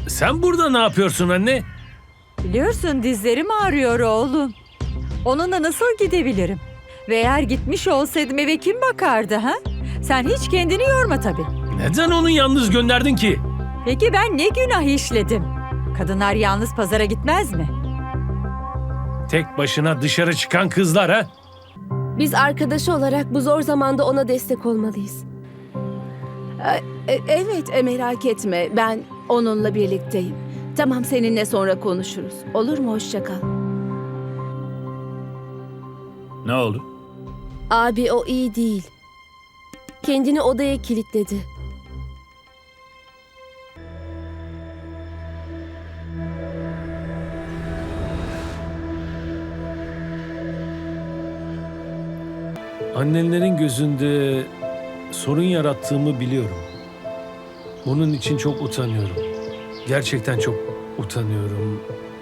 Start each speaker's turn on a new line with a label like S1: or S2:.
S1: Sen burada ne yapıyorsun anne?
S2: Biliyorsun dizlerim ağrıyor oğlum. Onunla nasıl gidebilirim? Ve eğer gitmiş olsaydım eve kim bakardı ha? Sen hiç kendini yorma tabii.
S1: Neden onu yalnız gönderdin ki?
S2: Peki ben ne günah işledim? Kadınlar yalnız pazara gitmez mi?
S1: Tek başına dışarı çıkan kızlar ha?
S3: Biz arkadaşı olarak bu zor zamanda ona destek olmalıyız.
S4: Evet, merak etme. Ben onunla birlikteyim. Tamam, seninle sonra konuşuruz. Olur mu? Hoşça kal.
S5: Ne oldu?
S3: Abi o iyi değil. Kendini odaya kilitledi.
S1: Annenlerin gözünde sorun yarattığımı biliyorum. Bunun için çok utanıyorum. Gerçekten çok utanıyorum.